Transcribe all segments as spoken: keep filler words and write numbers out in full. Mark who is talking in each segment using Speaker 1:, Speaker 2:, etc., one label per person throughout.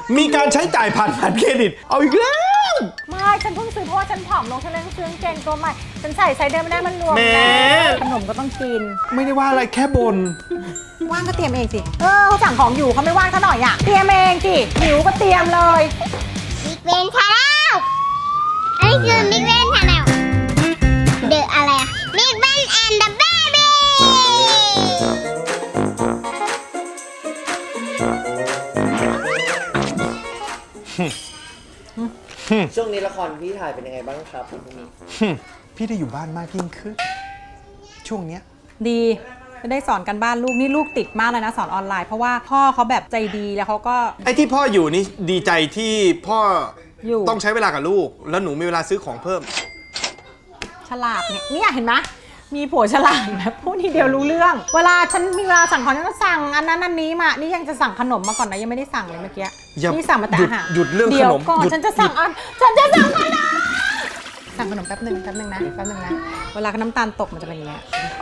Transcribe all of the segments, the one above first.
Speaker 1: มีการใช้จ่ายผ่านบัตรเครดิตเอาอีกแล้ว
Speaker 2: ไม่ฉันเพิ่งซื้อเพราะว่าฉันผอมลงฉันเลยซื้อกางเกงตัวใหม่ฉันใส่ไซส์เดิมไม่ได้มันรวมแล้วขนมก็ต้องกิน
Speaker 1: ไม่ได้ว่าอะไรแค่บน
Speaker 2: ว่างก็เตรียมเองสิเออเขาสั่งของอยู่เขาไม่ว่างเขาหน่อยอ่ะเตรียมเองสิหิวก็เตรียมเลย
Speaker 3: มิกเวนชาแนลอันนี้คือมิกเวนชาแนลเดอะอะไรอะมิกเวนแอนด์เดอะเบบี้
Speaker 4: ช่วงนี้ละครพี่ถ่ายเป็นยังไงบ้างครับพี่
Speaker 1: พี่ได้อยู่บ้านมากยิ่งขึ้นช่วงเนี้ย
Speaker 2: ดีจะได้สอนกันบ้านลูกนี่ลูกติดมากเลยนะสอนออนไลน์เพราะว่าพ่อเขาแบบใจดีแล้วเขาก็
Speaker 1: ไอ้ที่พ่ออยู่นี่ดีใจที่พ่อ
Speaker 2: อยู่
Speaker 1: ต้องใช้เวลากับลูกแล้วหนูมีเวลาซื้อของเพิ่ม
Speaker 2: ฉลาดเนี่ยนี่เห็นไหมมีผัวฉลาดแบบพูดทีเดียวรู้เรื่องเวลาฉันมีเวลาสั่งของฉันก็สั่งอันนั้นอันนี้มานี่ยังจะสั่งขนมมาก่อนนะยังไม่ได้สั่งเลยเมื่อกี้นี่สั่งมาแต่อาหาร
Speaker 1: หยุดเรื่องขนม
Speaker 2: ก่อนฉันจะสั่งอันฉันจะสั่งขนมสั่งขนมแป๊บหนึ่งแป๊บหนึ่งนะแป๊บหนึ่งนะเวลาน้ำตาลตกมันจะเป็นอย่างเงี้ย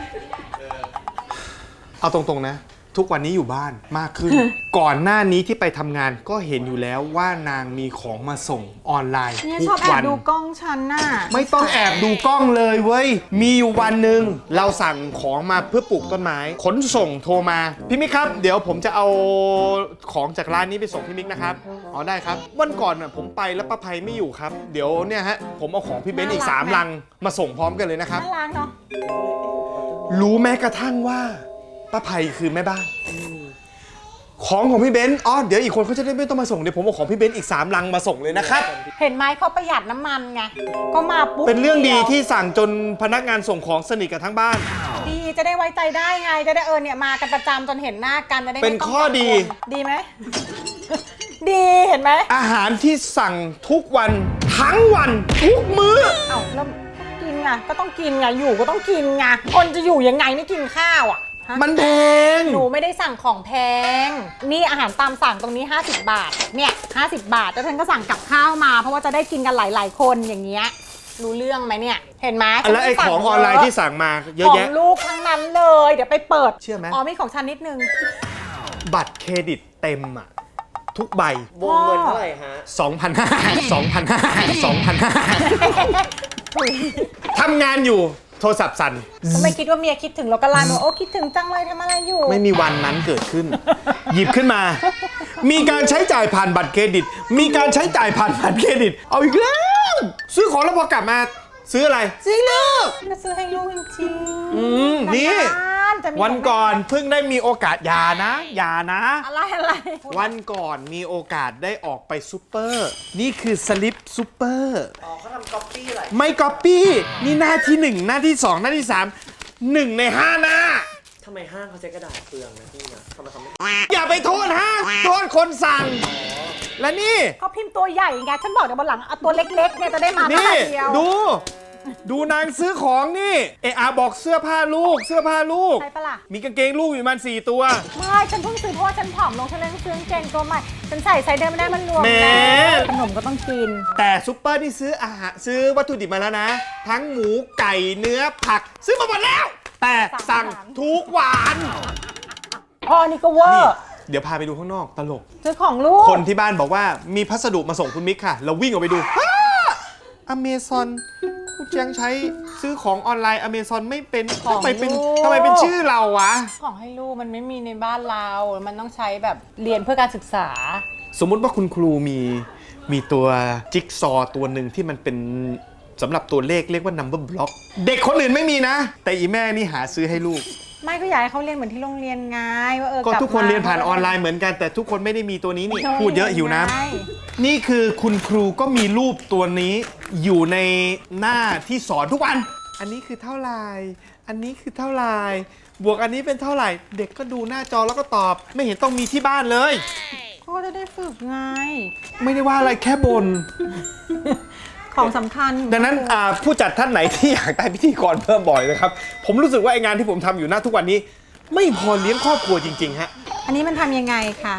Speaker 1: เอาตรงๆนะทุกวันนี้อยู่บ้านมากขึ้น ก่อนหน้านี้ที่ไปทำงานก็เห็นอยู่แล้วว่านางมีของมาส่งออนไลน์
Speaker 2: ทุกวันชอบแอบดูกล้องฉันน่ะ
Speaker 1: ไม่ต้องแอบดูกล้องเลยเว้ยมีอยู่วันหนึ่งเราสั่งของมาเพื่อปลูกต้นไม้ขนส่งโทรมาพี่มิกครับเดี๋ยวผมจะเอาของจากร้านนี้ไปส่งพี่มิกนะครับอ๋อได้ครับวันก่อนน่ะผมไปแล้วป้าภัยไม่อยู่ครับเดี๋ยวเนี่ยฮะผมเอาของพี่เบนซ์อีกสามลังมาส่งพร้อมกันเลยนะครับ
Speaker 2: น่ารักเนาะ
Speaker 1: รู้แม้กระทั่งว่าป้าภัยคือแม่บ้านของของพี่เบนซ์อ๋อเดี๋ยวอีกคนเขาจะได้ไม่ต้องมาส่งเดี๋ยวผมเอาของพี่เบนซ์อีกสามลังมาส่งเลยนะครับ
Speaker 2: เห็นไหมเขาประหยัดน้ำมันไงก็มาปุ๊บ
Speaker 1: เป็นเรื่องดีที่สั่งจนพนักงานส่งของสนิทกับทั้งบ้าน
Speaker 2: ดีจะได้ไว้ใจได้ไงจะได้เออเนี่ยมากันประจำจนเห็นหน้ากันจะได้
Speaker 1: เป็นข้อดี
Speaker 2: ดีไหมดีเห็นไหม
Speaker 1: อาหารที่สั่งทุกวันทั้งวันทุกมื้อ
Speaker 2: เอ้าแล้วกินไงก็ต้องกินไงอยู่ก็ต้องกินไงคนจะอยู่ยังไงไม่กินข้าวอ่ะ
Speaker 1: มันแพง
Speaker 2: หนูไม่ได้สั่งของแพงนี่อาหารตามสั่งตรงนี้ห้าสิบบาทเนี่ยห้าสิบบาทแล้วฉันก็สั่งกับข้าวมาเพราะว่าจะได้กินกันหลายๆคนอย่างเงี้ยรู้เรื่องไหมเนี่ยเห็นไหม
Speaker 1: แล้วไอ้ของออนไลน์ที่สั่งมาเยอะแยะ
Speaker 2: ของลูกทั้งนั้นเลยเดี๋ยวไปเปิด
Speaker 1: เชื่อไหม
Speaker 2: อ๋อมีของฉันนิดนึง
Speaker 1: บัตรเครดิตเต็มอ่ะทุกใบ
Speaker 4: วงเงินเท่าไหร่ฮะ
Speaker 1: สองพันห้าร้อย สองพันห้าร้อย สองพันห้าร้อย ทำงานอยู่โทรศัพท์สั่น
Speaker 2: ไม่คิดว่าเมียคิดถึงเราก็ไลน์มาโอ้คิดถึงจังเลยทำอะไรอยู่
Speaker 1: ไม่มีวันนั้นเกิดขึ้น หยิบขึ้นมามีการใช้จ่ายผ่านบัตรเครดิตมีการใช้จ่ายผ่านบัตรเครดิตเอาอีกแล้วซื้อของแล้วพอกลับมาซื้ออะไรซื้อลูก
Speaker 2: มาซื้อให้ลูกจริงๆ
Speaker 1: อืมนี่วันก่อนเพิ่งได้มีโอกาสอย่านะอย่านะ
Speaker 2: อะไรอะไร
Speaker 1: วันก่อนมีโอกาสได้ออกไปซูเปอร์นี่คือสลิปซูเปอร์
Speaker 4: อ๋อเขาทำก๊อปปี้อะไร
Speaker 1: ไม่ก๊อปปี้นี่หน้าที่หนึ่งหน้าที่สองหน้าที่สามหนึ่งในห้าหน้า
Speaker 4: ทำไมห้างเขาใช้กระดาษเปลืองนะพี่นะทำไมเขาไม่
Speaker 1: อย่าไปโทษห้างโทษคนสั่งและนี่
Speaker 2: เขาพิมพ์ตัวใหญ่ไงฉันบอกเดี๋ยวบนหลังเอาตัวเล็กๆเนี่ยจะได้มาเท่าเดียว
Speaker 1: ดูดูนางซื้อของนี่เออาบอกเสื้อผ้าลูกเสื้อผ้าลูก
Speaker 2: ใช่ปะล่ะ
Speaker 1: มีกางเกงลูกอยู่มันสี่ตัว
Speaker 2: ไม่ฉันเพิ่งซื้อเพราะว่าฉันผอมลงฉันเลยซื้อกางเกงตัวใหม่ฉันใส่ไซส์เดิมไม่ได้มันรวมแล้วขนมก็ต้องกิน
Speaker 1: แต่ซุปเปอร์นี่ซื้ออาหารซื้อวัตถุดิบมาแล้วนะทั้งหมูไก่เนื้อผักซื้อมาหมดแล้วแต่สั่งทุกวัน
Speaker 2: พอนี่ก็เวอร์
Speaker 1: เดี๋ยวพาไปดูข้างนอกตลก
Speaker 2: ซื้อของลูก
Speaker 1: คนที่บ้านบอกว่ามีพัสดุมาส่งคุณมิกค่ะเราวิ่งออกไปดูอเมซอนกูยังใช้ซื้อของออนไลน์อเมซอนไม่เป็นทำไมเป็นทำไมเป็นชื่อเราวะ
Speaker 2: ของให้ลูกมันไม่มีในบ้านเรามันต้องใช้แบบเรียนเพื่อการศึกษา
Speaker 1: สมมุติว่าคุณครูมีมีตัวจิ๊กซอตัวหนึ่งที่มันเป็นสำหรับตัวเลขเรียกว่า number block เด็กคนอื่นไม่มีนะแต่อีแม่นี่หาซื้อให้ลูก
Speaker 2: ไม่ก็อยากให้เขาเรียนเหมือนที่โรงเรียนไงว่าเออ
Speaker 1: ก็ทุกคนเรียนผ่านออนไลน์เหมือนกันแต่ทุกคนไม่ได้มีตัวนี้นี่พูดเยอะหิวน้ำนี่คือคุณครูก็มีรูปตัวนี้อยู่ในหน้าที่สอนทุกวันอันนี้คือเท่าไหร่อันนี้คือเท่าไหร่บวกอันนี้เป็นเท่าไหร่เด็กก็ดูหน้าจอแล้วก็ตอบไม่เห็นต้องมีที่บ้านเลย
Speaker 2: ก็จะได้ฝึกไง
Speaker 1: ไม่ได้ว่าอะไรแค่บน
Speaker 2: ของสำคัญ
Speaker 1: ดังนั้นผู้จัดท่านไหนที่อยากได้พิธีกรเพิ่มบ่อยนะครับผมรู้สึกว่าไองานที่ผมทำอยู่หน้าทุกวันนี้ไม่พอเลี้ยงครอบครัวจริงๆฮะ
Speaker 2: อันนี้มันทำยังไงคะ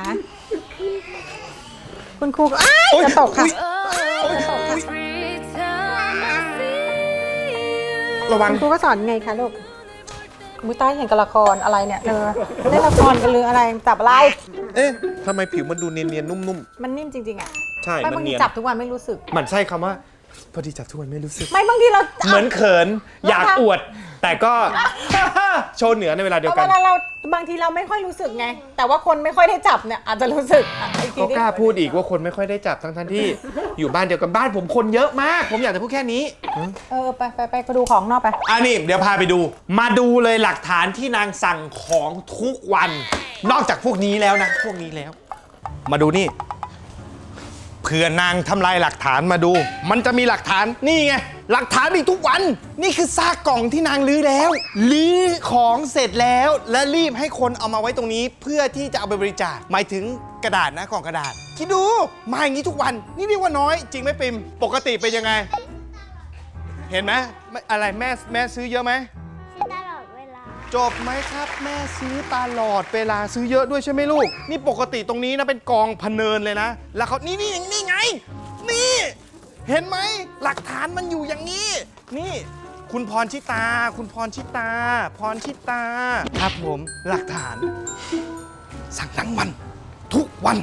Speaker 2: คุณครูก็จะตกค่ะ
Speaker 1: ระวัง
Speaker 2: ครูก็สอนไงคะลูกมุ้ยใต้เห็นกับละครอะไรเนี่ยเออเล่นละครกันหรืออะไรจับอะไร
Speaker 1: เอ๊ะทำไมผิวมันดูเนียนๆนุ่ม
Speaker 2: มันนิ่มจริงๆอ่ะ
Speaker 1: ๆใช่
Speaker 2: ไม่
Speaker 1: มัน
Speaker 2: บางที
Speaker 1: เนียน
Speaker 2: จับทุกวันไม่รู้สึก
Speaker 1: มันใช่คำว่าพอดีจับทุกวันไม่รู้สึก
Speaker 2: ไม่บางทีเรา
Speaker 1: เหมือนเขินอยากอวด แต่ก็ โชว์เหนือในเวลาเดียว
Speaker 2: เอา
Speaker 1: กั
Speaker 2: เวน ลาเราบางทีเราไม่ค่อยรู้สึกไง แต่ว่าคนไม่ค่อยได้จับเนี่ยอาจจะรู้สึกอ่ะอีกที
Speaker 1: ก็
Speaker 2: ดิ
Speaker 1: กล้าพูดอีกว่าคนไม่ค่อยได้จับทั้งท่านที่ อยู่บ้านเดียวกันบ้านผมคนเยอะมาก ผมอยากจะพูดแค่นี้
Speaker 2: เออไปไปไปไปดูของนอกไป
Speaker 1: อ่ะนี่เดี๋ยวพาไปดู มาดูเลยหลักฐานที่นางสั่งของทุกวัน นอกจากพวกนี้แล้วนะ พวกนี้แล้ว มาดูนี่เผื่อนางทำลายหลักฐานมาดู มันจะมีหลักฐานนี่ไงหลักฐานมีทุกวัน นี่คือซากกล่องที่นางลื้อแล้วลื้อของเสร็จแล้ว และรีบให้คนเอามาไว้ตรงนี้ เพื่อที่จะเอาไปบริจาคหมายถึงกระดาษนะกล่องกระดาษคิดดูมาอย่างนี้ทุกวัน นี่เรียกว่าน้อย จริงไหมปิมปกติเป็นยังไง เห็นไหมไม่อะไรแม่แม่ซื้อเยอะไหม
Speaker 3: ตลอดเวลา
Speaker 1: จบไหมครับแม่ซื้อตลอดเวลาซื้อเยอะด้วยใช่ไหมลูก นี่ปกติตรงนี้นะเป็นกองพะเนินเลยนะ แล้วเขานี่นี่นี่ไง นี่ เห็นไหมหลักฐานมันอยู่อย่างนี้ นี่ คุณพรชิตา คุณพรชิตา พรชิตา ครับผมหลักฐาน สั่งทั้งวัน ทุกวัน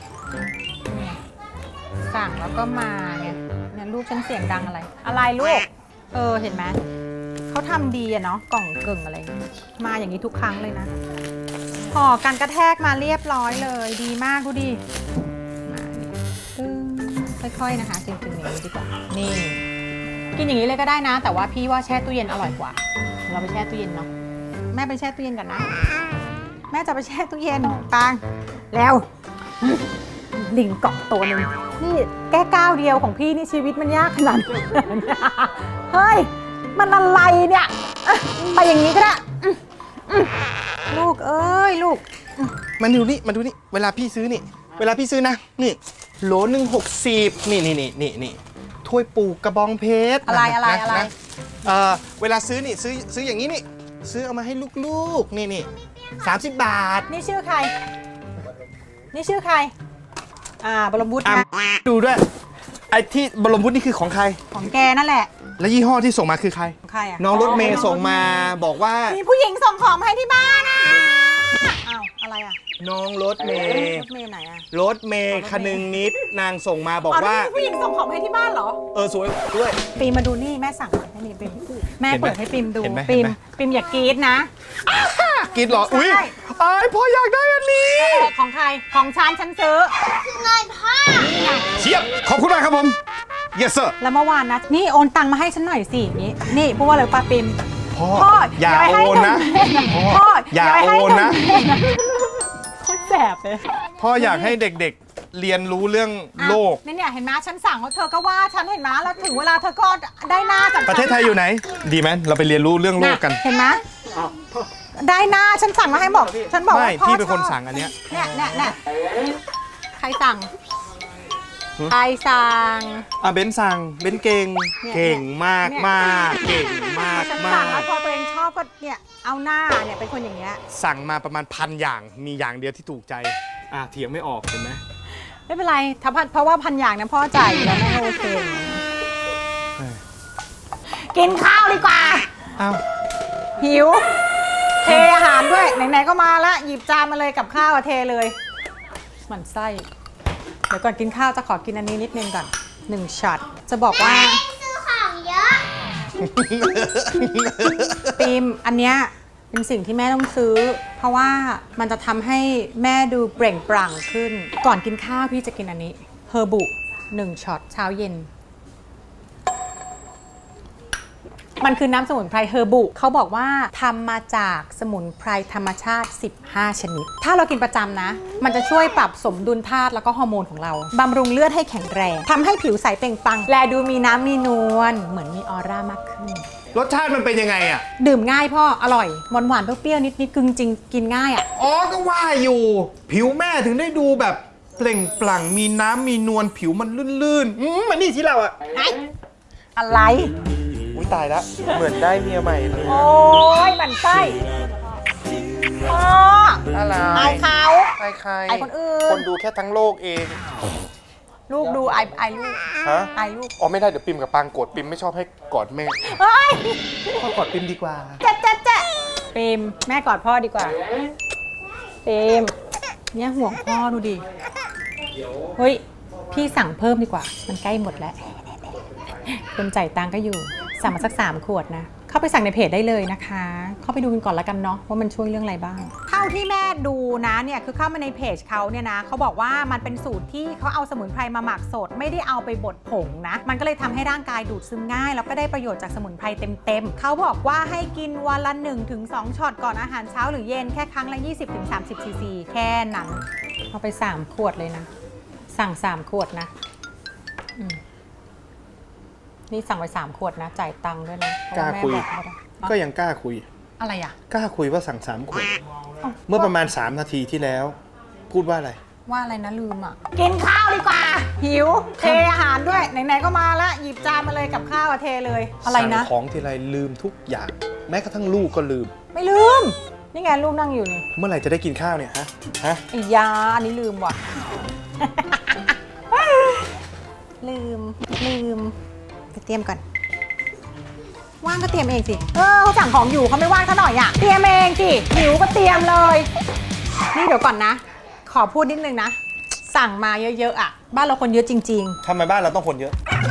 Speaker 2: สั่งแล้วก็มาเนี่ยเนี่ยลูกฉันเสียงดังอะไร อะไรลูก เออเห็นไหมเขาทำดีอะเนาะกล่องเก่งอะไรอย่างเงี้ยมาอย่างนี้ทุกครั้งเลยนะห่อกันกระแทกมาเรียบร้อยเลยดีมากดูดิมาเนี่ยตึ้งค่อยๆนะคะจริงๆอย่างนี้ดีกว่านี่กินอย่างนี้เลยก็ได้นะ แต่ว่าพี่ว่าแช่ตู้เย็นอร่อยกว่า เราไปแช่ตู้เย็นเนาะแม่ไปแช่ตู้เย็นกันนะ แม่จะไปแช่ตู้เย็นตังแล้วลิงเกาะตัวหนึ่งนี่แก้ก้าวเดียวของพี่นี่ชีวิตมันยากขนาดนี้เฮ้ยมันอะไรเนี่ยอ่ะไปอย่างนี้ก็ได้อืมอืมลูกเอ้ยลูก
Speaker 1: มันดูนี่มาดูนี่เวลาพี่ซื้อนี่ เวลาพี่ซื้อนะนี่โหลหนึ่งหกสิบนี่นี่นี่นี่นี่ถ้วยปลูกกระบองเพชร
Speaker 2: อะไรอะไร
Speaker 1: น
Speaker 2: อะไร
Speaker 1: นเออเวลาซื้อนี่ซื้อซื้ออย่างนี้นี่ซื้อเอามาให้ลูกๆนี่นี่สามสิบบาท
Speaker 2: นี่ชื่อใคร นี่ชื่อใคร อ่าบรมบุตร
Speaker 1: อ่ะ
Speaker 2: นะ
Speaker 1: ดูด้วยไอ้ที่บรมวุฒินี่คือของใคร
Speaker 2: ของแกนั่นแหละ
Speaker 1: และยี่ห้อที่ส่งมาคือใคร
Speaker 2: ของใครอ่ะ
Speaker 1: น้องรถเมย์ส่งมาบอกว่า
Speaker 2: มีผู้หญิงส่งของมาให้ที่บ้านอ่ะอ้าวอะไรอ่ะ
Speaker 1: น้องรถเม
Speaker 2: ร
Speaker 1: ย์
Speaker 2: ถเมย์ไหนอ่ะ
Speaker 1: รถเมย์คนึงนิดนางส่งมาบอก
Speaker 2: อ๋อ
Speaker 1: ว่า
Speaker 2: นี่มีผู้หญิงส่งของมาให้ที่บ้านเหรอ
Speaker 1: เออสวยด้วย
Speaker 2: ปีมมาดูนี่แม่สั่งมาให้นี่ปิมแม่
Speaker 1: เห็นไหม
Speaker 2: เปิดให้ปิมดู
Speaker 1: เห็นไหม
Speaker 2: ปิม
Speaker 1: เห็นไหม
Speaker 2: ปิมอย่ากรี๊ดนะ
Speaker 1: กินเหรออุ้ย
Speaker 2: ใช่
Speaker 1: ไอ้ายพ่ออยากได้อันนี้
Speaker 2: เออของใครของฉันฉันซื้อ
Speaker 3: คือเงินพ่อ
Speaker 1: เชียบขอบคุณมากครับผม yes sir
Speaker 2: แล้วเมื่อวานนะนี่โอนตังมาให้ฉันหน่อยสินี่นี่พูดว่าอะไรป้าปิม
Speaker 1: พ่อ
Speaker 2: พ่อ
Speaker 1: อย่า
Speaker 2: ไปให้
Speaker 1: โอนนะ
Speaker 2: หม
Speaker 1: พ่อ
Speaker 2: พ่อ
Speaker 1: อย่า
Speaker 2: ไปให้
Speaker 1: โอนนะ
Speaker 2: โคตรแสบเลย
Speaker 1: พ่ออยากให้เด็กๆ เรียนรู้เรื่องโลก
Speaker 2: อ่ะนี่เนี่ยเห็นไหมฉันสั่งแล้วเธอก็ว่าฉันเห็นไหมแล้วถึงเวลาเธอก็ได้หน้าจากฉัน
Speaker 1: ประเทศไทยอยู่ไหน ดีไหมเราไปเรียนรู้เรื่องโลกกัน
Speaker 2: ะเห็นไหมได้หน้าฉันสั่งมาให้บอก ฉันบอก
Speaker 1: ไม่
Speaker 2: ว่าพ่อ
Speaker 1: พี่เป็นคน
Speaker 2: ชอบ
Speaker 1: สั่งอันเนี้ย
Speaker 2: เนี่ยเนี่ยเนี่ยใครสั่งใครสั่ง
Speaker 1: อ่ะเบนสั่งเบนเก่ง
Speaker 2: เนี่ย
Speaker 1: เก่งมาก
Speaker 2: เนี่ย
Speaker 1: มากเก่งมาก
Speaker 2: ฉัน
Speaker 1: มา
Speaker 2: สั่งแล้ว
Speaker 1: ก
Speaker 2: พอตัวเองชอบก็เนี่ยเอาหน้าเนี่ยเป็นคนอย่างเงี้ย
Speaker 1: สั่งมาประมาณพันอย่างมีอย่างเดียวที่ถูกใจอ่ะเถียงไม่ออกเห็นไหม
Speaker 2: ไม่เป็นไรถ้าพันเพราะว่าพันอย่างนะพ่อจ่ายอยู่แล้วแม่โอเคกินข้าวดีกว่า
Speaker 1: อ้าว
Speaker 2: หิว เทอาหารด้วย ไหนๆก็มาแล้ว หยิบจานมาเลยกับข้าวอะเทเลยหมั่นไส้ เดี๋ยวก่อนกินข้าวจะขอกินอันนี้นิดนึงก่อนหนึ่งช็อตจะบอกว่า
Speaker 3: ซื้อของเยอะ
Speaker 2: ปีมอันเนี้ยเป็นสิ่งที่แม่ต้องซื้อ เพราะว่ามันจะทำให้แม่ดูเปล่งปลั่งขึ้น ก่อนกินข้าวพี่จะกินอันนี้เฮอร์บุหนึ่งช็อตเช้าเย็น มันคือน้ำสมุนไพรเฮอร์บุเขาบอกว่าทำมาจากสมุนไพรธรรมชาติ สิบห้า ชนิด ถ้าเรากินประจำนะ มันจะช่วยปรับสมดุลธาตุแล้วก็ฮอร์โมนของเราบำรุงเลือดให้แข็งแรงทำให้ผิวใสเปล่งปลั่งแลดูมีน้ำมีนวลเหมือนมีออร่ามากขึ้น
Speaker 1: รสชาติมันเป็นยังไงอ่ะ
Speaker 2: ดื่มง่ายพ่ออร่อยหวานหวานๆเปรี้ยวๆนิดๆกึ่งจริงกินง่ายอ่ะ
Speaker 1: อ๋อก็ว่าอยู่ ผิวแม่ถึงได้ดูแบบเปล่งปลั่งมีน้ำมีนวลผิวมันลื่นๆอืมมันนี่ที่เราอ่ะ
Speaker 2: อะไร
Speaker 1: อุ้ยตายแล้วเหมือนได้เมียใหม่เลย
Speaker 2: โอ้ยหมันไส้พ่อ
Speaker 1: อะไร
Speaker 2: อายเขา
Speaker 1: ใครใคร
Speaker 2: อายคนอื่น
Speaker 1: คนดูแค่ทั้งโลกเอง
Speaker 2: ลูกดูไอไอายลูก
Speaker 1: ฮะ
Speaker 2: ไอายลูก
Speaker 1: อ๋อไม่ได้เดี๋ยวปิมกับปางกดปิมไม่ชอบให้กอดแม่
Speaker 2: เฮ้ย
Speaker 1: พ่อกอดปิมดีกว่า
Speaker 2: เจ๊ะเจ๊ะเจ๊ะปิมแม่กอดพ่อดีกว่าปิมเนี่ยห่วงพ่อดูดิ เฮ้ย พี่สั่งเพิ่มดีกว่า มันใกล้หมดแล้ว คนจ่ายตังค์ก็อยู่ สั่งมาสักสามขวดนะ เข้าไปสั่งในเพจได้เลยนะคะ เข้าไปดูกันก่อนละกันเนาะว่ามันช่วยเรื่องอะไรบ้างเท่าที่แม่ดูนะเนี่ยคือเข้ามาในเพจเขาเนี่ยนะเขาบอกว่ามันเป็นสูตรที่เขาเอาสมุนไพรมาหมักสดไม่ได้เอาไปบดผงนะมันก็เลยทำให้ร่างกายดูดซึมง่ายแล้วก็ได้ประโยชน์จากสมุนไพรเต็มๆเขาบอกว่าให้กินวันละ หนึ่งถึงสอง ช็อตก่อนอาหารเช้าหรือเย็นแค่ครั้งละ ยี่สิบถึงสามสิบ ซีซี แค่นั้นเอาไปสามขวดเลยนะสั่งสามขวดนะอืมนี่สั่งไปสามขวดนะจ่ายตังค์ด้วยนะ
Speaker 1: กล้าคุย
Speaker 2: เพระว่แม่บอกไม่ได้
Speaker 1: ก็ยังกล้าคุย
Speaker 2: อะไรอ่ะ
Speaker 1: กล้าคุยว่าสั่งสามขวด
Speaker 2: อ้าว
Speaker 1: เมื่อประมาณสามนาทีที่แล้ว พูดว่าอะไร
Speaker 2: ว่าอะไรนะลืมอ่ะ กินข้าวดีกว่า หิว เทอาหารด้วย ไหนๆก็มาละหยิบจานมาเลยกับข้าวอะเทเลย อะไรนะ
Speaker 1: สั่งของทีไรลืมทุกอย่าง แม้กระทั่งลูกก็ลืม
Speaker 2: ไม่ลืม นี่ไงลูกนั่งอยู่นี่
Speaker 1: เมื่อไหร่จะได้กินข้าวเนี่ยฮะฮะ
Speaker 2: ไอ้ยาอันนี้ลืมว่ะ ลืม ลืม ไปเตรียมก่อน ว่างก็เตรียมเองสิ เออเขาสั่งของอยู่เขาไม่ว่างซะหน่อยอ่ะ เตรียมเองสิหิวก็เตรียมเลย นี่เดี๋ยวก่อนนะ ขอพูดนิดนึงนะ สั่งมาเยอะๆอ่ะ บ้านเราคนเยอะจริง
Speaker 1: ทำไมบ้านเราต้องคนเยอะ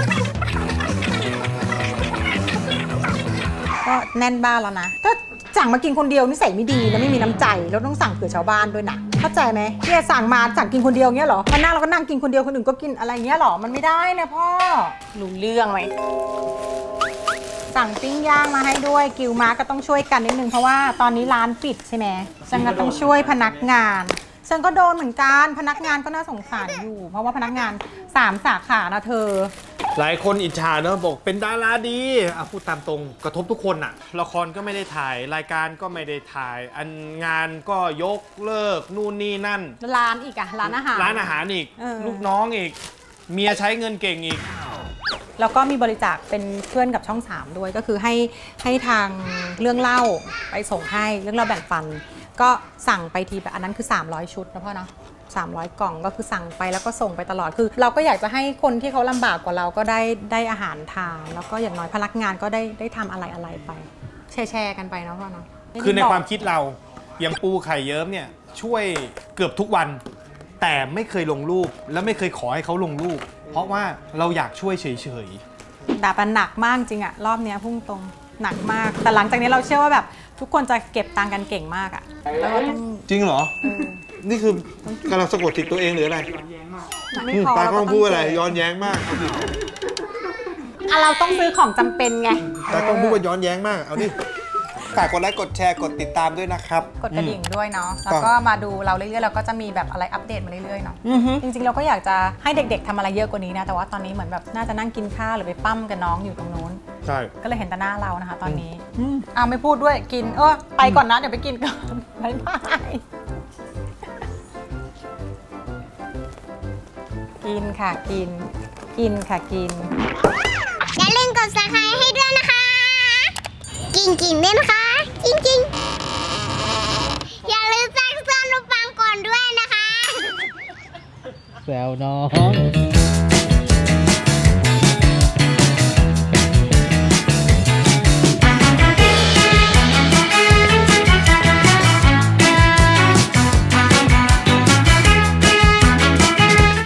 Speaker 2: ๆ ก็แน่นบ้านแล้วนะถ้าสั่งมากินคนเดียวนิสัยไม่ดีนะไม่มีน้ำใจแล้วต้องสั่งเผื่อชาวบ้านด้วยนะเข้าใจไหมเนี่ยสั่งมาสั่งกินคนเดียวเงี้ยเหรอมานั่งเราก็นั่งกินคนเดียวคนอื่นก็กินอะไรเงี้ยเหรอมันไม่ได้นะพ่อรู้เรื่องไหมสั่งปิ้งย่างมาให้ด้วยกิวมาก็ต้องช่วยกันนิดนึงเพราะว่าตอนนี้ร้านปิดใช่ไหมฉันก็ต้องช่วยพนักงานฉันก็โดนเหมือนกันพนักงานก็น่าสงสารอยู่ เพราะว่าพนักงานสามสาขานะเธอ
Speaker 1: หลายคนอิจฉาเนอะบอกเป็นดาราดีอ่ะพูดตามตรงกระทบทุกคนอะละครก็ไม่ได้ถ่ายรายการก็ไม่ได้ถ่าย อันงานก็ยกเลิกนู่นนี่นั่น
Speaker 2: ร้านอีกอะร้านอาหาร
Speaker 1: ร้านอาหารอีก
Speaker 2: เออ
Speaker 1: ลูกน้องอีก เมียใช้เงินเก่งอีก
Speaker 2: แล้วก็มีบริจาคเป็นเพื่อนกับช่องสามด้วยก็คือให้ให้ทางเรื่องเล่าไปส่งให้เรื่องเล่าแบ่งปัน ก็สั่งไปทีแบบอันนั้นคือสามร้อยชุดนะพ่อเนาะสามร้อยกล่องก็คือสั่งไปแล้วก็ส่งไปตลอดคือเราก็อยากจะให้คนที่เขาลำบากกว่าเราก็ได้ได้อาหารทานแล้วก็อย่างน้อยพนักงานก็ได้ได้ทำอะไรอะไรไปแชร์แชร์กันไปเนาะพ่อเนาะ
Speaker 1: คือในความคิดเราอย่างปูไข่เยิ้มเนี่ยช่วยเกือบทุกวัน แต่ไม่เคยลงรูปและไม่เคยขอให้เขาลงรูป เพราะว่าเราอยากช่วยเฉย
Speaker 2: ด่าปันหนักมากจริงอะรอบเนี้ยพุ่งตรงหนักมาก แต่หลังจากนี้เราเชื่อว่าแบบทุกคนจะเก็บตังค์กันเก่งมากอะแล้วก็ต้อง
Speaker 1: ๆ จริงเหรอ นี่คือกำลังสะกดจิตตัวเองหรืออะไร
Speaker 2: ไม่พอ
Speaker 1: ตา
Speaker 2: เรา
Speaker 1: ก็
Speaker 2: ก็ต้อง
Speaker 1: พูดอะไรย้อนแย้งมาก
Speaker 2: อ่ะเราต้องซื้อของจำเป็นไง
Speaker 1: ตาก็พูดว่าย้อนแย้งมากเอาดิฝากกดไลค์กดแชร์กดติดตามด้วยนะครับ
Speaker 2: กดกระดิ่งด้วยเนาะ
Speaker 1: อืม
Speaker 2: แล้วก็มาดูเราเรื่อยๆเราก็จะมีแบบอะไรอัปเดตมาเรื่อยๆเนาะ
Speaker 1: อือฮึ
Speaker 2: จริงๆเราก็อยากจะให้เด็กๆทำอะไรเยอะกว่านี้นะแต่ว่าตอนนี้เหมือนแบบน่าจะนั่งกินข้าวหรือไปปั้มกับน้องอยู่ตรงนู้น
Speaker 1: ใช่
Speaker 2: ก็เลยเห็นแต่หน้าเรานะคะ ตอนนี้อ้าวไม่พูดด้วยกินเออไปก่อนนะเดี๋ยวไปกินก่อน บ๊ายบายกินค่ะกิน กินค่ะกิน
Speaker 3: อย่าลืมกด ซับสไครบ์ ให้ด้วยนะคะ กิ่งกิ่งๆด้วยนะคะจริงๆอย่าลืมแจ้งเตือนรูปปังก่อนด้วยนะคะ
Speaker 5: แซวน้อง